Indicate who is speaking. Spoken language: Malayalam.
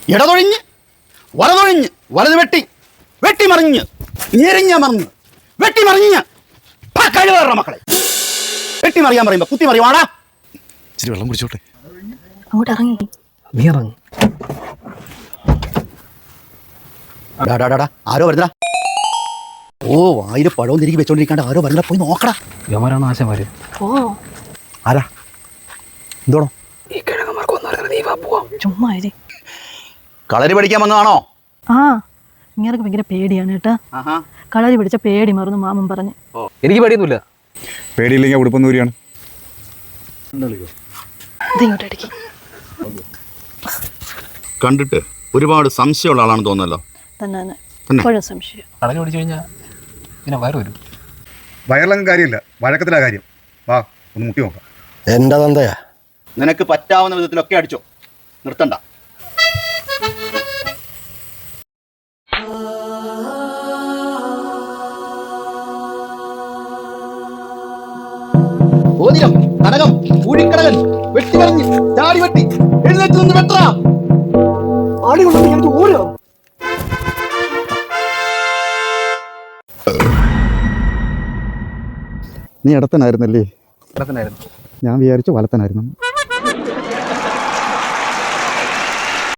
Speaker 1: ഇടതൊഴിഞ്ഞ് വലതൊഴിഞ്ഞ് വലത് വെട്ടി വെട്ടിമറിഞ്ഞ് ഞെരിഞ്ഞ മറിഞ്ഞ് വെട്ടിമറിഞ്ഞ് കഴിവേറ മക്കളെ വെട്ടിമറിയാൻ പറയുമ്പോ കുത്തി മറിയുവാടാ.
Speaker 2: ഇച്ചിരി വെള്ളം കുടിച്ചോട്ടെ.
Speaker 3: അങ്ങോട്ട് ഇറങ്ങി.
Speaker 2: നീ ഇറങ്ങി.
Speaker 1: ആരോ വരുന്നടാ. ഓ വായില് പഴവും തിരികെ വെച്ചോണ്ടിരിക്കാണ്ട് ആരോ വരുന്ന പോയി നോക്കടാ.
Speaker 2: യവരാണ് ആശമാര്.
Speaker 3: ഓ
Speaker 1: ആരാ എന്തോണോ
Speaker 2: ഈ കിഴങ്ങന്മാർക്ക് വന്നാലും നീ വാ പോവാം.
Speaker 3: ചുമ്മാ ഇരി.
Speaker 1: കളരി പഠിക്കാൻ വന്നതാണോ?
Speaker 3: ആ ഇങ്ങനെ ഭയങ്കര പേടിയാണ് കേട്ടാ. കളരി പിടിച്ച പേടി മറന്നു മാമൻ പറഞ്ഞു.
Speaker 2: എനിക്ക് പേടിയൊന്നുമില്ല.
Speaker 4: പേടിയില്ലെങ്കിൽ ഉടുപ്പൊന്നൂരിയാണ്.
Speaker 3: ഇതിങ്ങോട്ട് അടിക്കി.
Speaker 1: കണ്ടിട്ട് ഒരുപാട് സംശയമുള്ള ആളാണെന്ന് തോന്നുന്നല്ലോ.
Speaker 3: തന്നെ ഇപ്പോഴും സംശയം.
Speaker 2: കളരി ഓടിച്ചു കഴിഞ്ഞാൽ പിന്നെ വയറ് വരും.
Speaker 4: വയറിലങ്ങ് കാര്യമില്ല, വഴക്കത്തിലാ കാര്യം. വാ ഒന്ന് മുട്ടി നോക്കാം.
Speaker 1: എന്റെ തന്തയാ. നിനക്ക് പറ്റാവുന്ന വിധത്തിലൊക്കെ അടിച്ചോ, നിർത്തണ്ട. ഓതിരം കനകം കൂടിക്കടകൻ വെട്ടിമറിഞ്ഞ് ചാടി വെട്ടി എഴുന്നേറ്റ് നിന്ന് വെട്ടറാ. ആടി കൊണ്ടു ഞങ്ങൾക്ക് ഓരോ
Speaker 4: നീ ഇടത്തനായിരുന്നല്ലേ?
Speaker 2: ഇടത്തനായിരുന്നു.
Speaker 4: ഞാൻ വിചാരിച്ചു വലത്തനായിരുന്നു.